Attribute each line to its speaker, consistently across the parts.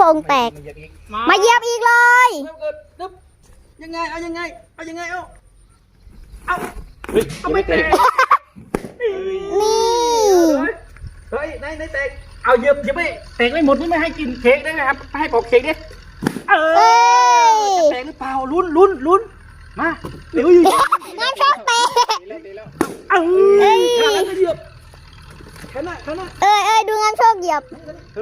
Speaker 1: ป่งแตกมาเหยียบอีกเลย
Speaker 2: ยังไงเอายังไงเอายังไงเอา
Speaker 3: ไม่แตก
Speaker 1: นี่
Speaker 2: เฮ้ยนายแตกเอาเหยียบไม่แตกไม่หมดนี่ไม่ให้กินเค้กได้ไหมครับให้ปอกเค้กดิจะแตกหรือเปล่าลุ้นมาเดี๋ยวอยู่
Speaker 1: น้ำชอบแตก
Speaker 2: ข้าแล้วจะเหยียบข้างหน้า
Speaker 1: ดูน้ำโชคเหยียบ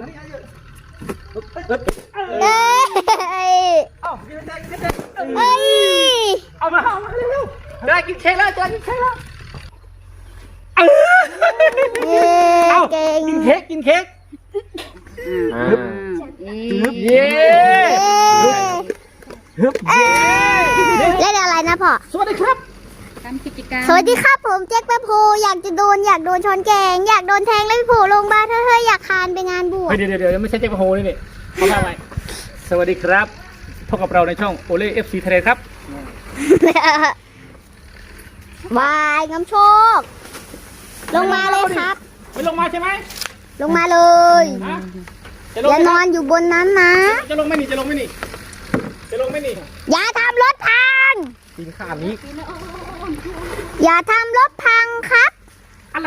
Speaker 2: เอามาเร็วได้กินเค้กแล้วจะกินเค้กแล้ว
Speaker 1: เก่ง
Speaker 2: กินเค้กเย้
Speaker 1: เล่นอะไรนะพ่อ
Speaker 2: สวัสดีครับ
Speaker 1: ทำกิจกรรมสวัสดีครับผมแจ็คแป๊บโพอยากโดนช้อนแกงอยากโดนแทงแล้วพี่โผล่ลงบ้านเฮ้ยอยากคานไปงานบวช
Speaker 2: เดี๋ยวไม่ใช่แจ็คแป๊บโพนี่เขาทำอะไรสวัสดีครับพบกับเราในช่องโอเล่ FC ทะเลครับ
Speaker 1: วายน้ำโชคลงมาเลยครับ
Speaker 2: ไม่ลงมาใช่ไหม
Speaker 1: ลงมาเลยอย่านอนอยู่บนนั้นนะ
Speaker 2: จะลงไม่หนี
Speaker 1: อย่าทำรถพัง
Speaker 2: ปีนข้ามนี้
Speaker 1: อย่าทำรถพังครับ
Speaker 2: อะไร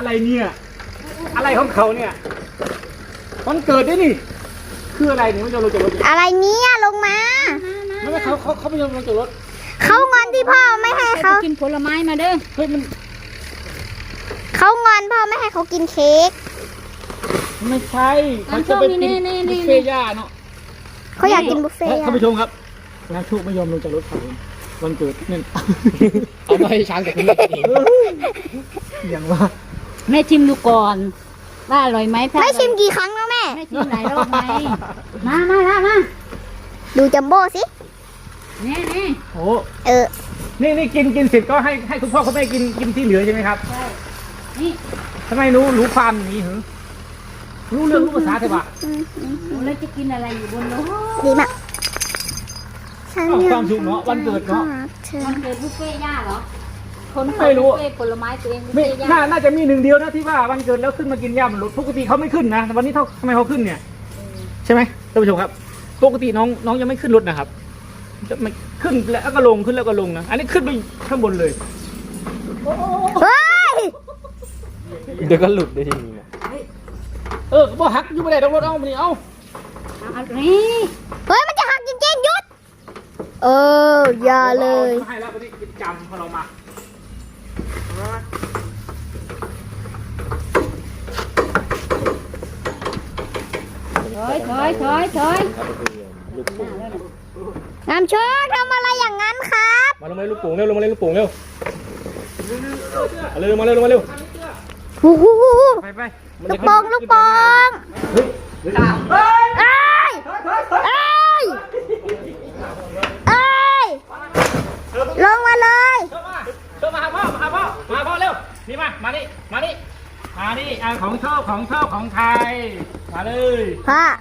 Speaker 2: ของเขาเนี่ยวันเกิดด้วยนี่คืออะไรเนี่ยไม่ยอมลงจากรถ
Speaker 1: อะไรเนี่ยลงมา
Speaker 2: ไม่เขาไม่ยอมลงจากรถ
Speaker 1: เขางอนที่พ่อไม่ให้เขา
Speaker 3: กินผลไม้มาเด้อ
Speaker 2: เฮ้ยมัน
Speaker 1: เขางอนพ่อไม่ให้เขากินเค้ก
Speaker 2: ไม่ใช่เขาจะไปกินบุฟเฟ่ย่าเนาะ
Speaker 1: เขาอยากกินบุฟเฟ่
Speaker 2: ท่านผู้ชมครับน้าโชคไม่ยอมลงจากรถเขาวันเกิดนี่เอาไปช้างกับคุณอย่างว่า
Speaker 3: แม่ชิมดูก่อนว่าอร่อยไหม
Speaker 1: แม่ชิมกี่ครั้งแล้วแม่
Speaker 3: ชิมหลายรอบไหมมา
Speaker 1: ดูจัมโบ้สิ
Speaker 3: นี่
Speaker 2: โอ้นี่กินเสร็จก็ให้คุณพ่อคุณแม่กินที่เหลือใช่ไหมครับใช่
Speaker 3: นี่
Speaker 2: ทำไมรู้ความอย่างนี้เหรอรู้เรื่องรู้ภาษาใช่ปะ
Speaker 3: แล้วจะกินอะไรอยู่บนรถ
Speaker 1: ดีมาก
Speaker 2: ความสุขเนาะวันเกิดเนาะ
Speaker 3: วันเกิดบุฟเฟ่ย่าเหรอคน
Speaker 2: ไม่รู้
Speaker 3: บุฟเฟ่ผลไม้ตัวเองบุฟเฟ่ย่า
Speaker 2: น่าจะมีหนึ่งเดียวนะที่ว่าวันเกิดแล้วขึ้นมากินย่าบนรถปกติเขาไม่ขึ้นนะวันนี้ทำไมเขาขึ้นเนี่ยใช่ไหมท่านผู้ชมครับปกติน้องยังไม่ขึ้นรถนะครับจะไม่ขึ้นแล้วก็ลงขึ้นแล้วก็ลงนะอันนี้ขึ้นไปข้างบนเลยเดี๋ยวก็หลุดได้ทีนี้บ่หักอยู่ไม่ได้ต้องรถเอามาดิเอา
Speaker 3: นี่
Speaker 1: เฮ้ยมันจะหักจริงๆหยุดอย่าเลย
Speaker 2: ให้แล้ววันนี้กินจำพอเรามา
Speaker 3: ถอย
Speaker 1: น้ำโชคทำอะไรอย่างนั้นครับ
Speaker 2: มาลงมาลูกโป่งเร็วลงมาเล่นลูกโป่งเร็วลงมาเร็วไป
Speaker 1: ลูกโป่งลงมาเลย
Speaker 2: มาหาพ่อเร็วนี่มานี่ของชอบของไทยมาเลย
Speaker 1: พ่อ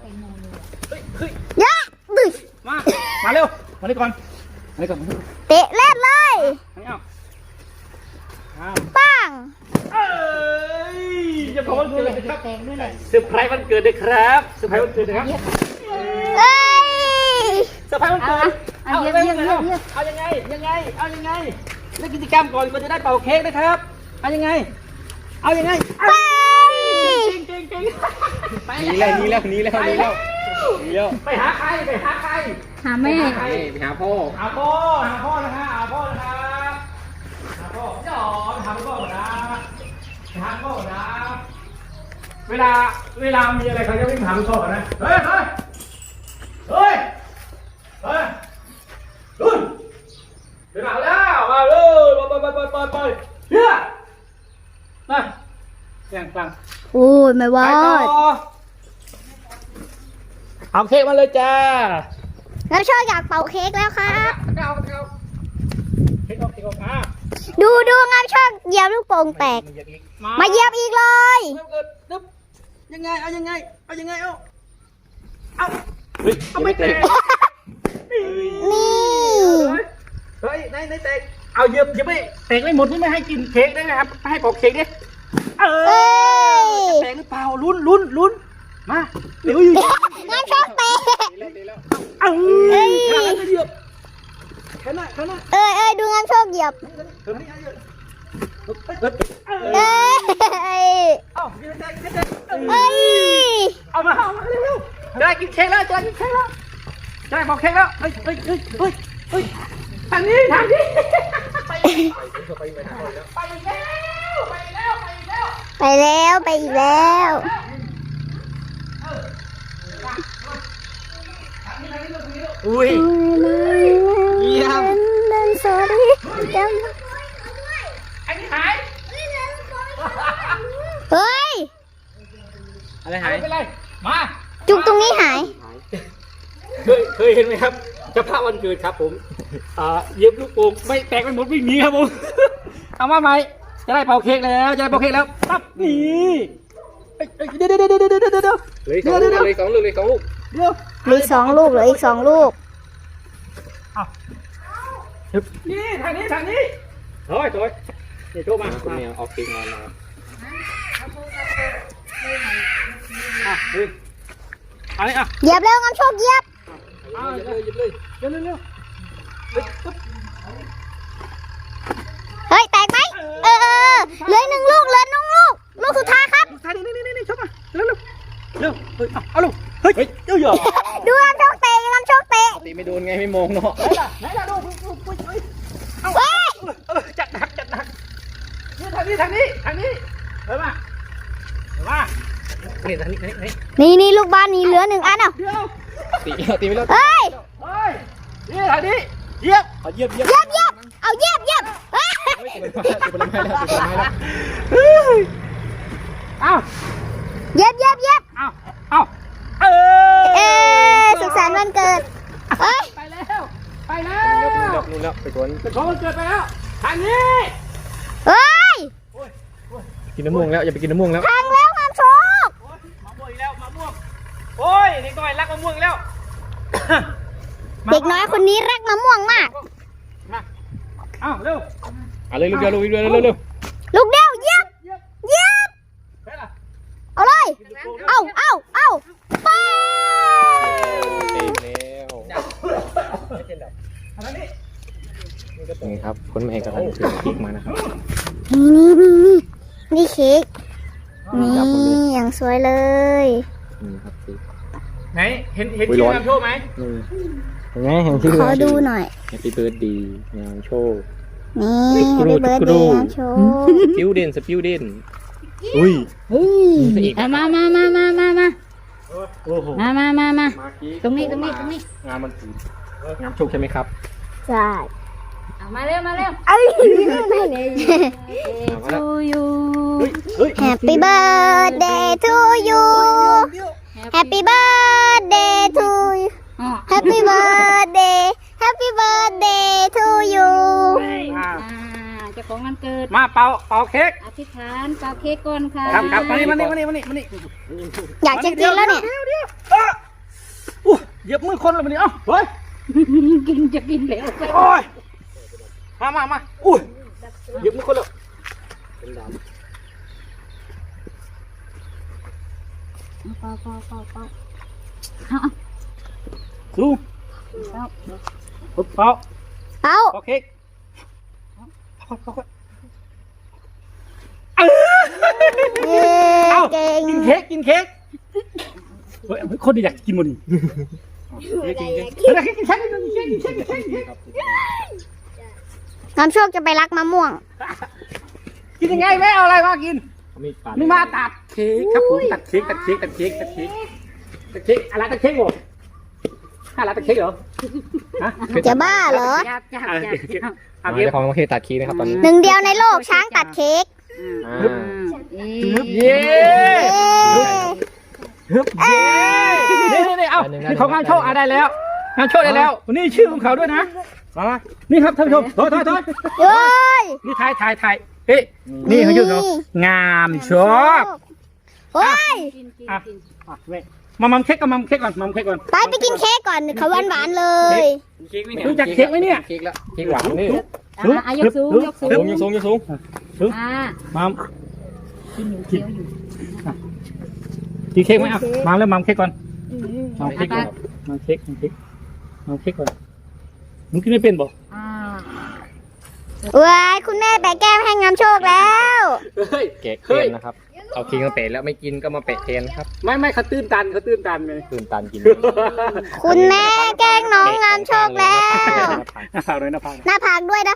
Speaker 1: เยอะดึง
Speaker 2: มาเร็วมานี่ก่อน
Speaker 1: เตะเล่นเลยปัง
Speaker 2: จะขอวันเกิดเลยครับเซอร์ไพรส์วันเกิดเลยครับเซอร์ไพรส์วันเกิดนะครับเซอร์ไพรส์วันเกิดเอายังไงเล่นกิจกรรมก่อนมันจะได้เป่าเค้กนะครับเอายังไงไปหนีแล้วไปหาใคร
Speaker 3: หาแม่
Speaker 2: ไปหาพ่อนะครับหาพ่อจอดหาพ่อนะเวลามีอะไรเขาจะวิ่งหาพ่อนะเฮ้ยรุ่นไปหาแล้วมาเลยไปเฮียมาแข่งฟัง
Speaker 1: โอ้ยไม่ว่า
Speaker 2: เอาเค้กมาเลยจ้า
Speaker 1: แล้วชอบอยากเป่าเค้กแล้วครับ
Speaker 2: เค้กออก
Speaker 1: ดูงั้นชอบเหยียบลูกโป่งแตกมาเหยียบอีกเลย
Speaker 2: ยังไงเอาไม่แตก
Speaker 1: นี่
Speaker 2: เฮ้ยนายแตกเอาเหยียบไม่แตกไม่หมดนี่ไม่ให้กินเค้กได้ไหมครับให้ปอกเค้กดิจะแตกหรือเปล่าลุ้นมาเดี๋ยวอยู่
Speaker 1: งั้นชอบเหยียบ
Speaker 2: เฮ้ย
Speaker 1: เอ้ย
Speaker 2: เอายืนได้ยืนได้
Speaker 1: เอ้ย
Speaker 2: เอามาเร็วๆจะได้กินเค้กแล้วจะได้กินเค้กแล้วจะได้บอกเค้กแล้วเฮ้ยทางนี้ไปแล้ว
Speaker 1: ไปอีกแล้ว
Speaker 2: อุ้ย เยี่ยม
Speaker 1: เล่นสอรี่จำ
Speaker 2: อันนี้หาย
Speaker 1: เฮ้ย
Speaker 2: อะไรหายไม่เป็นไรมา
Speaker 1: จุกตรงนี้หาย
Speaker 2: เคยเห็นไหมครับเจ้าภาพวันเกิดครับผมเย็บลูกโป่งไม่แตกไปหมดวิ่งหนีครับผม เอามาใหม่จะได้เป่าเค้กแล้วจะได้เป่าเค้กแล้วปั๊บนี่เดี๋ยวเหลือสองลูกเดี๋ยว
Speaker 1: เหลือ2 ลูกเหลืออีก 2 ลูก
Speaker 2: นี่ทางนี้โอ้ยนี่โทรมาคุณเมียออกเค้กมาแล้วอันนี้
Speaker 1: เหยียบเร็วงามโชคเหยียบ
Speaker 2: หยิบเลยเร็ว
Speaker 1: เฮ้ย แตกไหมเหลือ1 ลูกเหลือ1 ลูก ลูกสุดท้ายครับ
Speaker 2: ท้ายนี่ชกมาเร็วเอาลูกเฮ้ยเยอะ
Speaker 1: ดูงามโชคเตะงามโชคเตะ
Speaker 2: ตีไม่โดนไงไม่มองเนาะไหนล่ะลูกเอาจัดหนักนี่ทางนี้เฮ้ยมานี่ทางนี้
Speaker 1: นี่ลูกบ้านนี้เหลือ1 อันอ่ะ
Speaker 2: เดี๋ยวตีไม่เลิก
Speaker 1: เฮ้ย
Speaker 2: นี่ทางนี้เยียบเอาเยียบ
Speaker 1: เอาเหยียบเฮ้ย
Speaker 2: ตีไปแล้วเอา
Speaker 1: เหยียบ
Speaker 2: เอา
Speaker 1: สุขสันต์วันเกิดเฮ้ย
Speaker 2: ไปแล้วนู่นแล้วไปสวนเป็นของวันเกิดไปแล้วทางนี้
Speaker 1: เฮ้ย
Speaker 2: กินน้ำม่วงแล้วอย่าไปกินน้ำม่วงแล้ว
Speaker 1: พังแล้วงามโชค
Speaker 2: มะม่วงอีกแล้วมะม่วงโอ้ยเด็กน้อยรักมะม่วงแล้ว
Speaker 1: เด็กน้อยคนนี้รักมะม่วงมาก
Speaker 2: มาเอาเร็วเลยลูกเดียวเร็ว
Speaker 1: ลูกเดียวเหยียบ
Speaker 2: ไปล่ะ
Speaker 1: เอาเลยเอาไป
Speaker 2: นี่ครับคนแม่กำลังถือเค้กมานะครับ
Speaker 1: นี่เค้กนี่อย่างสวยเลย
Speaker 2: นี่ครับเค้กไหนเห็นชื่องามโชคไหมเห็นไหมเห็นชื่อ
Speaker 1: ขอดูหน่อย
Speaker 2: Happy Birthday งามโชค
Speaker 1: นี่ให้เบิร์ดเดย์งามโชค
Speaker 2: สปิวเด่นอุ้ย
Speaker 3: มา
Speaker 2: โอ้โห
Speaker 3: มาตรงนี้
Speaker 2: งามมันถืองามโชคใช่ไหมครับ
Speaker 1: ใช่
Speaker 3: มาเร็ว
Speaker 1: เอ้ยไม่เลย
Speaker 3: to you
Speaker 2: เฮ้ย
Speaker 1: Happy birthday to you Happy birthday to you Happy birthday to you
Speaker 3: เจ้าของวันเกิด
Speaker 2: มาเป่าเค้ก
Speaker 3: อธิษฐานเป่าเค้กก่อนค่ะ
Speaker 2: ครับมานี่
Speaker 1: อยากจะกินแล้วเนี่ย
Speaker 2: เหยียบมือคนเลยมันนี่เอ้าเฮ้ย
Speaker 3: จะกินแล้ว
Speaker 2: โอ้ยมาอุ้ยเหยียบมือคนเลยเป็นดำ
Speaker 3: เป่า
Speaker 2: ลูกเป่า
Speaker 1: เอา
Speaker 2: เค้ก
Speaker 1: เก่ง
Speaker 2: กินเค้กเฮ้ยคนอยากกินมันกินเค้ก
Speaker 1: น้ำโชคจะไปรักมะม่วง
Speaker 2: กินยังไงแม่เอาอะไรมากินนี่มาตัดเค้กครับผมตัดเค้กอะไรตัดเค้กเหรอฮะ
Speaker 1: จะบ้าเหรอ
Speaker 3: จับ
Speaker 2: เจ้าของเค้กตัดเค้กนะครับตอนนี้
Speaker 1: หนึ่งเดียวในโลกช้างตัดเค้ก
Speaker 2: เย้นี่เอานี่ของงานโชคได้แล้วงานโชคได้แล้วนี่ชื่อของเขาด้วยนะมานี่ครับท่านผู้ชมถอย
Speaker 1: เฮ้ย
Speaker 2: นี่ถ่ายเฮ้ยนี่เขาชื่อเขางามโชค
Speaker 1: เฮ้ย
Speaker 2: มัมเค้กก่อนมัมเค้กก่อน
Speaker 1: ไปกินเค้กก่อนเขาหวานๆเลย
Speaker 2: รู้จักเค้กไหมเนี่ยเค้กหวานนี่
Speaker 3: ยกสูง
Speaker 2: มัมกินเค้กไหมอ่ะมัมแล้วมัมเค้กก่อนมัมเค้กก่อนมัมเค้กก่อนมึงกินไม่เป็นบ่
Speaker 1: ว้ายคุณแม่แปะแก้มให้งามโชคแล้ว
Speaker 2: เฮ้ย
Speaker 4: แกะ
Speaker 2: เฮ้
Speaker 4: เก
Speaker 2: ย
Speaker 4: นนะครับเอาคิงมาเปะแล้วไม่กินก็มาเปะแทนครับ
Speaker 2: ไม่เขาตื้นตันเลย
Speaker 4: ตื่นตันกิน
Speaker 1: คุณแม่แกล้งน้องงามโชคแล้ว
Speaker 2: หน้าผากเลยหน้าผาก
Speaker 1: หน้าผากด้วย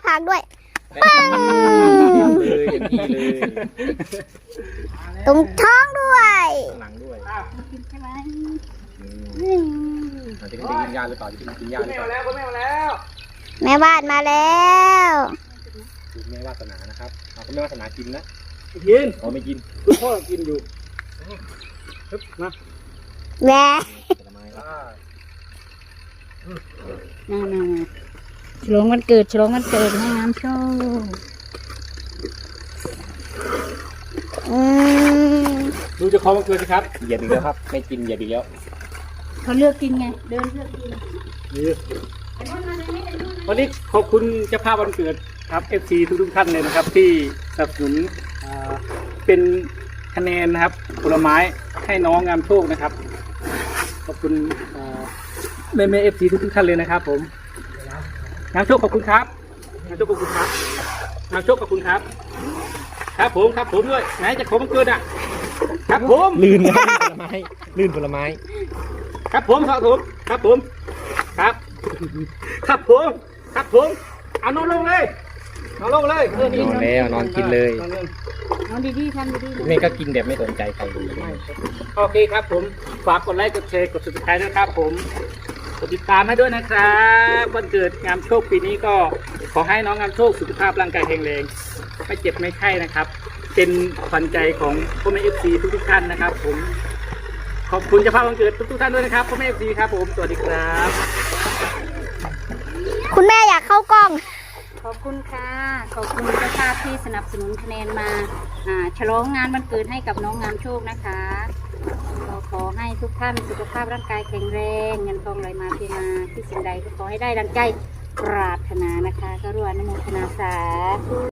Speaker 4: เลยอย่างนี้เลย
Speaker 1: ตรงท้องด้วย
Speaker 4: ข้างหลังด้วย
Speaker 3: กินใช่ไหม
Speaker 4: อาจจะได้กินยาหรือเปล่าจะกินยาหรือ
Speaker 2: ไม่
Speaker 4: เป
Speaker 2: เอา
Speaker 4: ล่า
Speaker 2: แล้วไม่เอาแล้ว
Speaker 1: แม่วาดมาแล้ว
Speaker 4: คุณแม่วาสนานะครับเอาคุณแม่วาสนากินนะ
Speaker 2: กิน
Speaker 4: อ๋อไม่กิน
Speaker 2: คุณพ่อกินอยู่ฮึบมา
Speaker 1: แหว
Speaker 4: ผลไม้
Speaker 3: มาฉลองวันเกิดให้งามโชค
Speaker 1: อืม
Speaker 2: ดูจะคอมันเกินสิครับ
Speaker 4: เหยียบอีกแล้วครับ ไม่กินเหยียบอีกแล้ว
Speaker 3: เขาเลือกกินไง เดินเลือกกิน
Speaker 2: นี่วันนี้ขอบคุณเจ้าภาพวันเกิดครับ FC ทุกท่านเลยนะครับ ที่สนับสนุนเป็นคะแนนนะครับผลไม้ให้น้องงามโชคนะครับ ขอบคุณแม่ FC ทุกท่านเลยนะครับ ผมงามโชคขอบคุณครับงามโชคขอบคุณครับงามโชคขอบคุณครับ ครับผมด้วยไหนจะขอมันเกิดอ่ะครับผม
Speaker 4: ลื่นครับผลไม้ลื่นผลไม้
Speaker 2: ครับผมครับเอานอนลงเลยนอนลงเลย
Speaker 4: นอนแล้วนอนกินเลย
Speaker 3: เอาดีๆทำดีๆ
Speaker 4: แม่ก็กินแบบไม่สนใจใครเลย
Speaker 2: โอเคครับผมฝากกดไลค์กดแชร์กด subscribe ด้วยครับผมกดติดตามให้ด้วยนะครับวันเกิดงามโชคปีนี้ก็ขอให้น้องงามโชคสุขภาพร่างกายแข็งแรงไม่เจ็บไม่ไข้นะครับ เป็นขวัญใจของพ่อแม่ FC ทุกท่านนะครับ ผมขอบคุณเจ้าภาพวันเกิดทุกท่านด้วยนะครับพ่อแม่ FC ครับผมสวัสดีครับ
Speaker 1: คุณแม่อยากเข้ากล้อง
Speaker 3: ขอบคุณค่ะ ขอบคุณเจ้าภาพที่สนับสนุนคะแนนมาฉลองงานวันเกิดให้กับน้องงามโชคนะคะเราขอให้ทุกท่านสุขภาพร่างกายแข็งแรงเงินทองไหลมาเทมาที่สิ่งใดก็ขอให้ได้ดังใจปรารถนานะคะ ก็ร่วมอนุโมทนาสาธุ